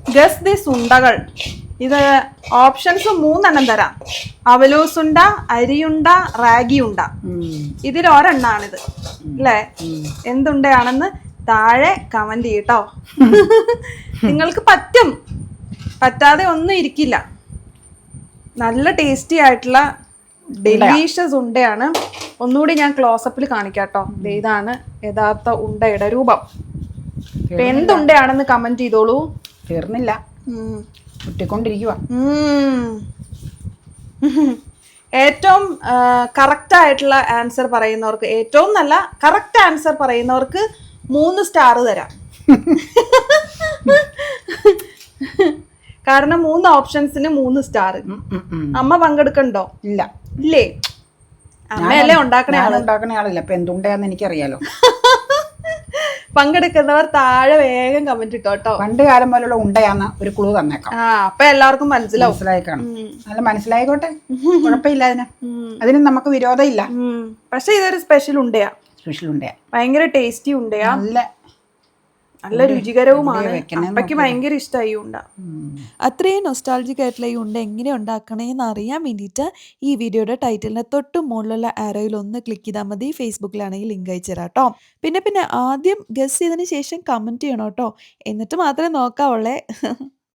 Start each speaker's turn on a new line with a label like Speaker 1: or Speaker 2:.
Speaker 1: Guess this ഉണ്ടകൾ. ഇത് options 3 തരാം. അവലൂസുണ്ട, അരിയുണ്ട, റാഗിയുണ്ട. ഇതിൽ ഒരെണ്ണാണിത് അല്ലേ? എന്തുണ്ടയാണെന്ന് താഴെ കമന്റ് ചെയ്യട്ടോ. നിങ്ങൾക്ക് പറ്റും, പറ്റാതെ ഒന്നും ഇരിക്കില്ല. നല്ല ടേസ്റ്റി ആയിട്ടുള്ള ഡെലീഷ്യസ് ഉണ്ടയാണ്. ഒന്നുകൂടി ഞാൻ ക്ലോസപ്പിൽ കാണിക്കാട്ടോ. ഇതാണ് യഥാർത്ഥ ഉണ്ടയുടെ രൂപം. ഇപ്പൊ എന്തുണ്ടയാണെന്ന് കമന്റ് ചെയ്തോളൂ.
Speaker 2: തീർന്നില്ല, കുട്ടിക്കൊണ്ടിരിക്കുക.
Speaker 1: ഏറ്റവും കറക്റ്റ് ആയിട്ടുള്ള ആൻസർ പറയുന്നവർക്ക്, ഏറ്റവും നല്ല കറക്റ്റ് ആൻസർ പറയുന്നവർക്ക് 3 സ്റ്റാർ തരാം. കാരണം 3 ഓപ്ഷൻസിന് 3 സ്റ്റാർ. അമ്മ പങ്കെടുക്കണ്ടോ?
Speaker 2: ഇല്ല.
Speaker 1: ഇല്ലേ? അമ്മയല്ലേ ഉണ്ടാക്കണേ
Speaker 2: ആളില്ല. അപ്പൊ എന്തുണ്ടാന്ന് എനിക്കറിയാലോ.
Speaker 1: പങ്കെടുക്കുന്നവർ താഴെ വേഗം കമന്റ് ഇട്ടോട്ടോ.
Speaker 2: പണ്ട് കാലം പോലുള്ള ഉണ്ടയാന്ന് ഒരു ക്ലൂ തന്നേക്കാം.
Speaker 1: അപ്പൊ എല്ലാവർക്കും മനസ്സിലായി
Speaker 2: കാണും. നല്ല മനസ്സിലായിക്കോട്ടെ, കുഴപ്പമില്ല. അതിന് നമുക്ക് വിരോധം ഇല്ല.
Speaker 1: പക്ഷെ ഇതൊരു സ്പെഷ്യൽ ഉണ്ടയാ. ഭയങ്കര ടേസ്റ്റി ഉണ്ടയാ. നല്ല രുചികരവുമാണ്. അപ്പയ്ക്ക് ഭയങ്കര ഇഷ്ടമായി ഉണ്ട.
Speaker 3: അത്രയും നൊസ്റ്റാൾജിക് ആയിട്ടുള്ള ഈ ഉണ്ട എങ്ങനെ ഉണ്ടാക്കണേന്ന് അറിയാൻ വേണ്ടിയിട്ട് ഈ വീഡിയോയുടെ ടൈറ്റിലിന് തൊട്ട് മുകളിലുള്ള ആരോയിൽ ഒന്ന് ക്ലിക്ക് ചെയ്താൽ മതി. ഫേസ്ബുക്കിലാണെങ്കിൽ ലിങ്ക് അയച്ചു തരാം കേട്ടോ. പിന്നെ ആദ്യം ഗസ് ചെയ്തതിന് ശേഷം കമന്റ് ചെയ്യണം കേട്ടോ. എന്നിട്ട് മാത്രമേ നോക്കാവുള്ളേ.